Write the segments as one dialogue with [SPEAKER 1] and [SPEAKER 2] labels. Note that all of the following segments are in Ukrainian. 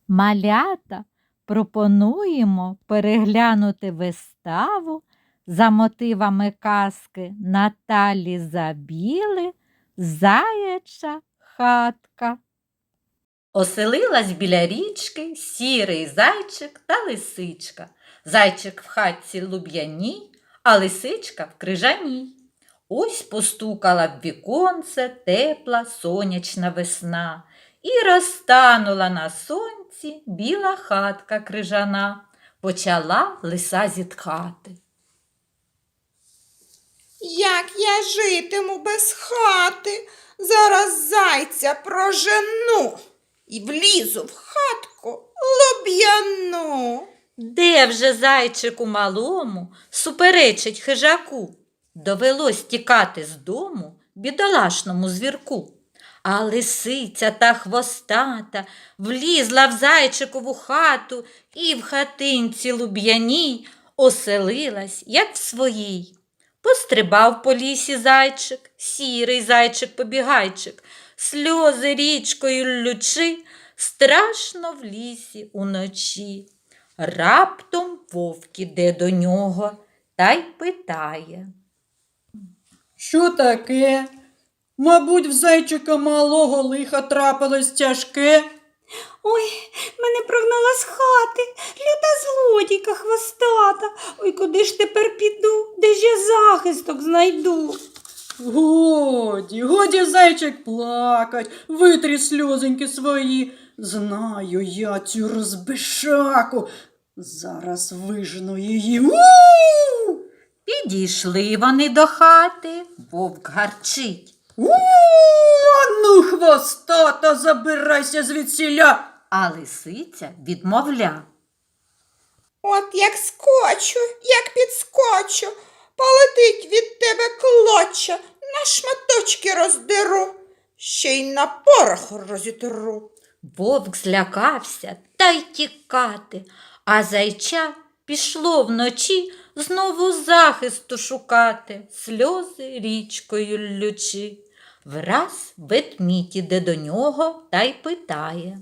[SPEAKER 1] Малята, пропонуємо переглянути виставу за мотивами казки Наталі Забіли «Заяча хатка». Оселилась біля річки сірий зайчик та лисичка. Зайчик в хатці луб'яній, а лисичка в крижаній. Ось постукала в віконце тепла сонячна весна, і розтанула на сонці біла хатка крижана. Почала лиса зітхати.
[SPEAKER 2] Як я житиму без хати, зараз зайця прожену і влізу в хатку луб'яну.
[SPEAKER 1] Де вже зайчику малому суперечить хижаку? Довелось тікати з дому бідолашному звірку. А лисиця та хвостата влізла в зайчикову хату і в хатинці луб'яній оселилась, як в своїй. Пострибав по лісі зайчик, сірий зайчик-побігайчик, сльози річкою ллючи, страшно в лісі уночі. Раптом вовк іде до нього та й питає.
[SPEAKER 3] Що таке? Мабуть, в зайчика малого лиха трапилось тяжке.
[SPEAKER 4] Ой, мене прогнала з хати, люта злодійка хвостата. Ой, куди ж тепер піду, де ж я захисток знайду?
[SPEAKER 3] Годі, зайчик, плакать, витрі сльозоньки свої. Знаю я цю розбишаку, зараз вижену її. У-у-у!
[SPEAKER 1] Підійшли вони до хати, вовк гарчить.
[SPEAKER 3] Ну, хвостата, забирайся звідсіля.
[SPEAKER 1] А лисиця відмовля.
[SPEAKER 2] От як скочу, як підскочу, полетить від тебе клоча, на шматочки роздеру, ще й на порох розітру.
[SPEAKER 1] Вовк злякався та й тікати, а зайча пішло вночі знову захисту шукати, сльози річкою ллючи. Враз ведмідь іде до нього та й питає.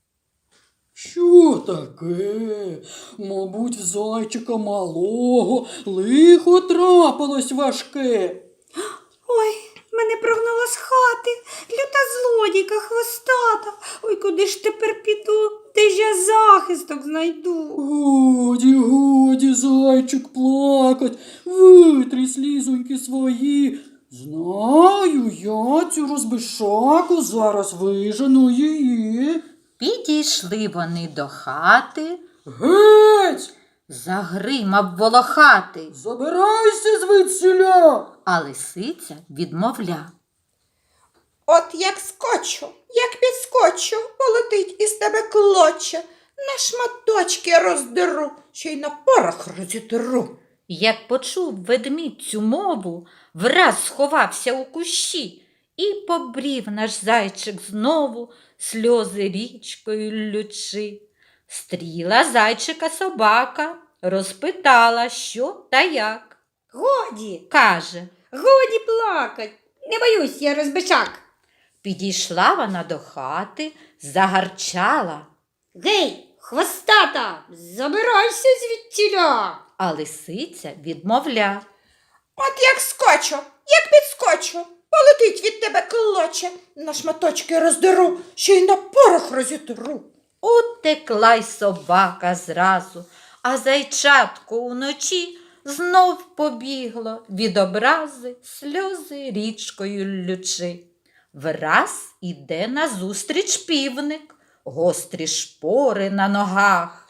[SPEAKER 3] Що таке? Мабуть, в зайчика малого лихо трапилось важке.
[SPEAKER 4] Ой, мене прогнала з хати, люта злодійка хвостата. Ой, куди ж тепер піду, де ж я захисток знайду?
[SPEAKER 3] Годі, зайчик, плакать, витрі слізоньки свої. Знаю я цю розбишаку, зараз вижену її.
[SPEAKER 1] Підійшли вони до хати,
[SPEAKER 3] Геть!
[SPEAKER 1] загримав волохатий,
[SPEAKER 3] Забирайся звідсіля!
[SPEAKER 1] а лисиця відмовля.
[SPEAKER 2] От як скочу, як підскочу, полетить із тебе клоча, на шматочки роздеру, ще й на порох розітру.
[SPEAKER 1] Як почув ведмідь цю мову, враз сховався у кущі і побрів наш зайчик знову, сльози річкою ллючи. Стріла зайчика собака, розпитала, що та як.
[SPEAKER 4] Годі,
[SPEAKER 1] Каже,
[SPEAKER 4] годі плакать, не боюсь я розбишак.
[SPEAKER 1] підійшла вона до хати, загарчала,
[SPEAKER 4] Гей, хвостата, забирайся звідтіля.
[SPEAKER 1] а лисиця відмовля.
[SPEAKER 2] От як скочу, як підскочу, полетить від тебе клоча, на шматочки роздеру, ще й на порох розітру.
[SPEAKER 1] Утекла й собака зразу, а зайчатко уночі знов побігло від образи, сльози річкою ллючи. Враз іде назустріч півник, гострі шпори на ногах.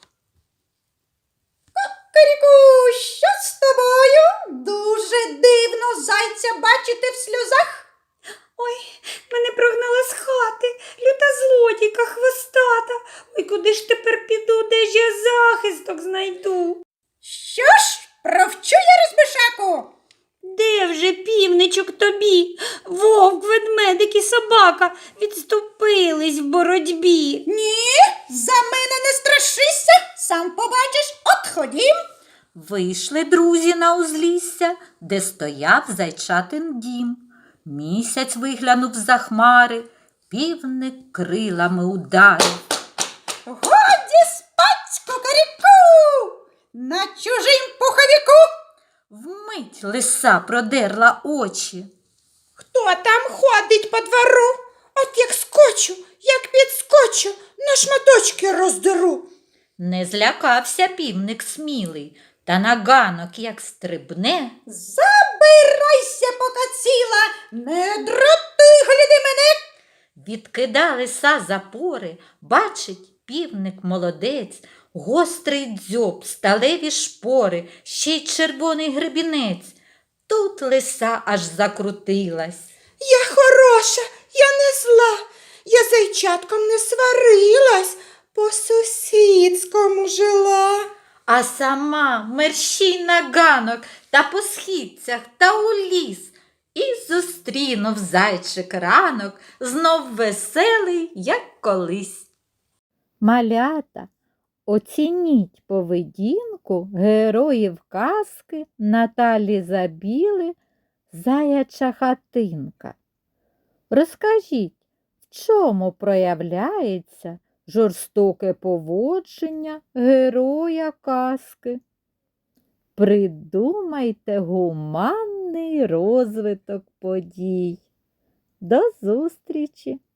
[SPEAKER 4] Кукаріку, що з тобою? Дуже дивно зайця бачити в сльозах. Ой, мене прогнала з хати, люта злодійка хвостата. Ой, куди ж тепер піду, де ж я захисток знайду? Що ж, провчу я розбишаку? Де вже, півничок, тобі? Вовк, ведмедик і собака відступились в боротьбі. Ні, за мене не страшися, сам побачиш, от ходім.
[SPEAKER 1] Вийшли друзі на узлісся, де стояв зайчатин дім. Місяць виглянув за хмари, півник крилами ударив.
[SPEAKER 4] Годі на чужим пуховіку.
[SPEAKER 1] Вмить лиса продерла очі.
[SPEAKER 2] Хто там ходить по двору? От як скочу, як підскочу, на шматочки роздеру.
[SPEAKER 1] Не злякався півник смілий, та на ганок як стрибне.
[SPEAKER 4] Забирайся, пока ціла, не дратуй, гляди мене.
[SPEAKER 1] Відкида лиса запори, бачить півник молодець, гострий дзьоб, сталеві шпори, ще й червоний гребінець. Тут лиса аж закрутилась.
[SPEAKER 2] Я хороша, я не зла, я з зайчатком не сварилась, по сусідському жила.
[SPEAKER 1] А сама мерщій на ганок та по східцях та у ліс. І зустрінув зайчик ранок, знов веселий, як колись. Малята, оцініть поведінку героїв казки Наталі Забіли «Заяча хатинка». Розкажіть, в чому проявляється жорстоке поводження героя казки? Придумайте гуманний розвиток подій. До зустрічі!